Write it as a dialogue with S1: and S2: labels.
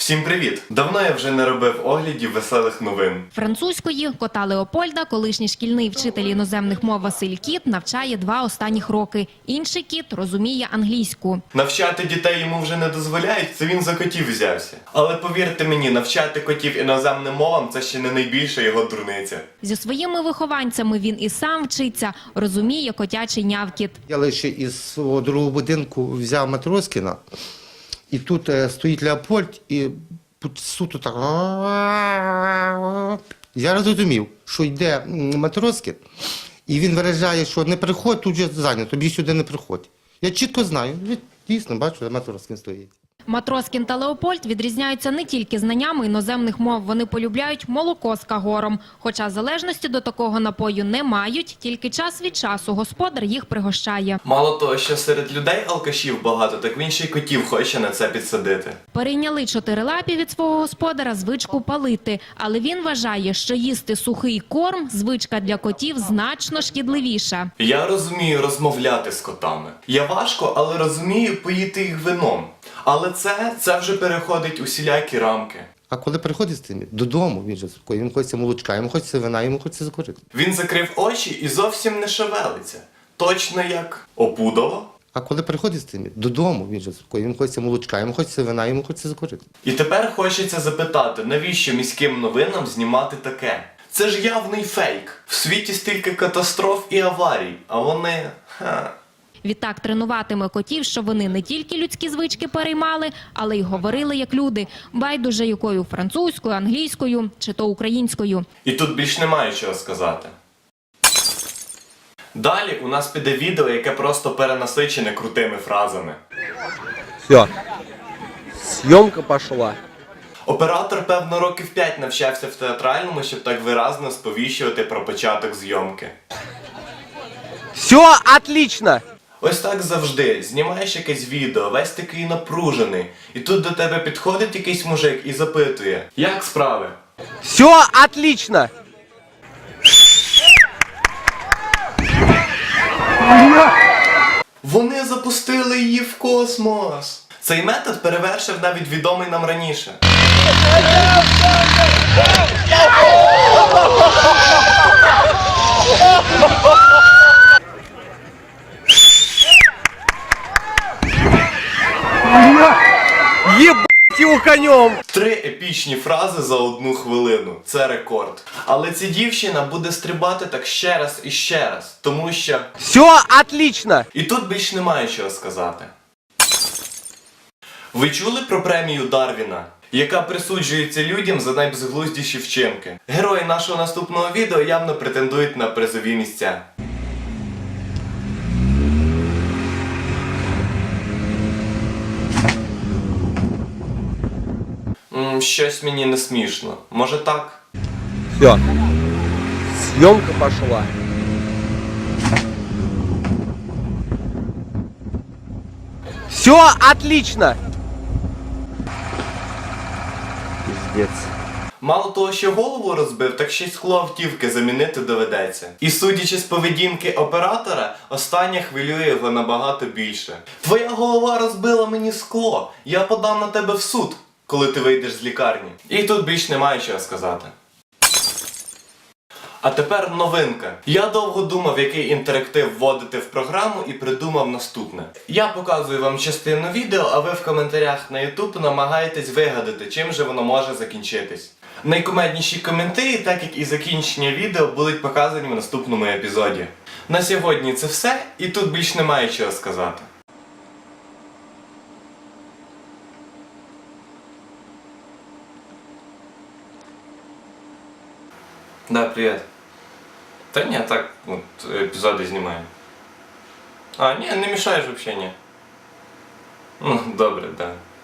S1: Всім привіт! Давно я вже не робив оглядів веселих новин.
S2: Французької кота Леопольда колишній шкільний вчитель іноземних мов Василь Кіт навчає 2 останніх роки. Інший кіт розуміє англійську.
S1: Навчати дітей йому вже не дозволяють, це він за котів взявся. Але повірте мені, навчати котів іноземним мовам – це ще не найбільша його дурниця.
S2: Зі своїми вихованцями він і сам вчиться, розуміє котячий нявкіт.
S3: Я лише із свого другого будинку взяв Матроскіна, і тут стоїть Леопольд, і суто так. Я зрозумів, що йде Матроскін, і він виражає, що не приходь, тут же зайнято, тобі сюди не приходь. Я чітко знаю, дійсно бачу, Матроскін стоїть.
S2: Матроскін та Леопольд відрізняються не тільки знаннями іноземних мов, вони полюбляють молоко з кагором. Хоча залежності до такого напою не мають, тільки час від часу господар їх пригощає.
S1: Мало того, що серед людей алкашів багато, так він ще й котів хоче на це підсадити.
S2: Перейняли чотирилапі від свого господара звичку палити, але він вважає, що їсти сухий корм – звичка для котів значно шкідливіша.
S1: Я розумію розмовляти з котами. Я важко, але розумію поїти їх вином. Але це вже переходить усілякі рамки.
S3: А коли приходить з тим додому, він же спокійний, йому хочеться молочка, йому хочеться вина, йому хочеться закурити.
S1: Він закрив очі і зовсім не шевелиться. Точно як опудало.
S3: А коли приходить з тим додому, він же спокійний, йому хочеться молочка, йому хочеться вина, йому хочеться закурити.
S1: І тепер хочеться запитати, навіщо міським новинам знімати таке? Це ж явний фейк. В світі стільки катастроф і аварій, а вони...
S2: Відтак тренуватиме котів, що вони не тільки людські звички переймали, але й говорили як люди, байдуже якою французькою, англійською чи то українською.
S1: І тут більш немає чого сказати. Далі у нас піде відео, яке просто перенасичене крутими фразами.
S4: Все, съемка пошла.
S1: Оператор, певно, років 5 навчався в театральному, щоб так виразно сповіщувати про початок зйомки.
S4: Все отлично!
S1: Ось так завжди. Знімаєш якесь відео, весь такий напружений. І тут до тебе підходить якийсь мужик і запитує: як справи?
S4: Все отлично!
S1: Вони запустили її в космос! Цей метод перевершив навіть відомий нам раніше.
S4: Ебать его конем!
S1: 3 епічні фрази за 1 хвилину. Це рекорд. Але ця дівчина буде стрибати так ще раз і ще раз. Тому що...
S4: Все отлично!
S1: І тут більш немає чого сказати. Ви чули про премію Дарвіна, яка присуджується людям за найбезглуздіші вчинки? Герої нашого наступного відео явно претендують на призові місця. Щось мені не смішно. Може так?
S4: Все, съемка пошла. Все отлично! Пиздец.
S1: Мало того, що голову розбив, так ще й скло автівки замінити доведеться. І судячи з поведінки оператора, остання хвилює його набагато більше. Твоя голова розбила мені скло, я подам на тебе в суд, коли ти вийдеш з лікарні. І тут більш немає чого сказати. А тепер новинка. Я довго думав, який інтерактив вводити в програму, і придумав наступне. Я показую вам частину відео, а ви в коментарях на YouTube намагаєтесь вигадати, чим же воно може закінчитись. Найкумедніші коменти, так як і закінчення відео, будуть показані в наступному епізоді. На сьогодні це все, і тут більш немає чого сказати. Да, привет. Та ні, так, от, епізоди знімаю. А, ні, не мішаєш взагалі, ні. Ну, добре, да.